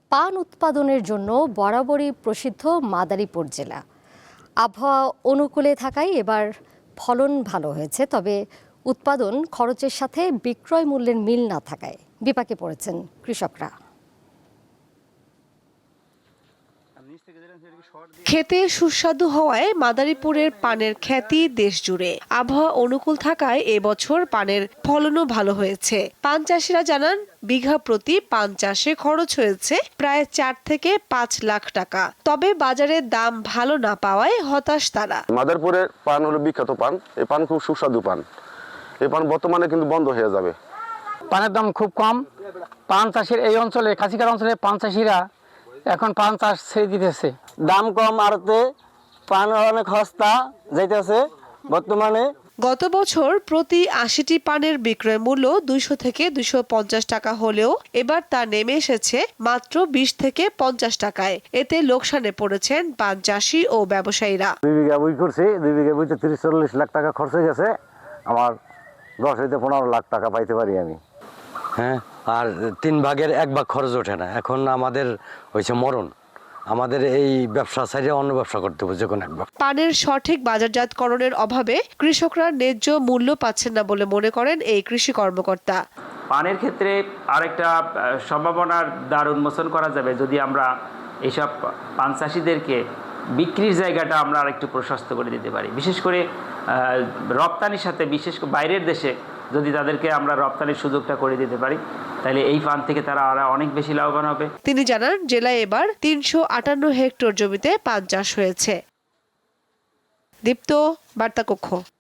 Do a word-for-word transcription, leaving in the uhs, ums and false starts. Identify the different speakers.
Speaker 1: পান উৎপাদনের জন্য বরাবরই প্রসিদ্ধ মাদারীপুর জেলা। আবহাওয়া অনুকূলে থাকায় এবার ফলন ভালো হয়েছে, তবে উৎপাদন খরচের সাথে বিক্রয় মূল্যের মিল না থাকায় বিপাকে পড়েছেন কৃষকরা।
Speaker 2: খেতে সুস্বাদু হওয়ায় মাদারীপুরের পানের খ্যাতি দেশ জুড়ে। আবহাওয়া অনুকূল থাকায় এবছর পানের ফলনও ভালো হয়েছে। পান চাষিরা জানান, বিঘা প্রতি পান চাষে খরচ হয়েছে প্রায় চার থেকে পাঁচ লাখ টাকা। তবে বাজারের দাম ভালো না পাওয়ায় হতাশ তারা।
Speaker 3: মাদারীপুরের পান হলো বিখ্যাত পান। এই পান খুব সুস্বাদু পান। এই পান বর্তমানে কিন্তু বন্ধ হয়ে যাবে।
Speaker 4: পানের দাম খুব কম। পান চাষের এই অঞ্চলে কাছিকার অঞ্চলে পান চাষিরা এখন পান চাষ ছেড়ে দিতেছে।
Speaker 5: দাম কম আরতে পান অনেক সস্তা যাইতেছে বর্তমানে।
Speaker 2: গত বছর প্রতি আশিটি পানের বিক্রয় মূল্য দুইশো থেকে দুইশো পঞ্চাশ টাকা হলেও এবার তা নেমে এসেছে মাত্র বিশ থেকে পঞ্চাশ টাকায়। এতে লোকসানে পড়েছেন পান চাষি ও ব্যবসায়ীরা।
Speaker 5: দুই বিঘা বই করছি, দুই বিঘা বইতে তিরিশ চল্লিশ লাখ টাকা খরচ হয়ে গেছে। আমার দশ হইতে পনেরো লাখ টাকা পাইতে পারি আমি।
Speaker 6: হ্যাঁ, আর তিন ভাগের এক ভাগ খরচ ওঠে না। এখন আমাদের হয়েছে মরণ। আমাদের এই ব্যবসা ছাড়িয়ে অন্য ব্যবসা করতে হবে যে কোনো এক ব্যবসা।
Speaker 2: পানের সঠিক বাজারজাতকরণের অভাবে কৃষকরা ন্যায্য মূল্য পাচ্ছেন না বলে মনে করেন এই কৃষি কর্মকর্তা।
Speaker 7: পানের ক্ষেত্রে আরেকটা সম্ভাবনার দ্বার উন্মোচন করা যাবে যদি আমরা এইসব পান চাষিদেরকে বিক্রির জায়গাটা আমরা আরেকটু প্রশস্ত করে দিতে পারি। বিশেষ করে রপ্তানির সাথে, বিশেষ করে বাইরের দেশে যদি তাদেরকে আমরা রপ্তানির সুযোগটা করে দিতে পারি, তাহলে এই পান থেকে তারা আরো অনেক বেশি লাভবান হবে।
Speaker 2: তিনি জানান, জেলায় এবার তিনশো আটান্ন হেক্টর জমিতে পান চাষ হয়েছে। দীপ্ত, বার্তা কক্ষ।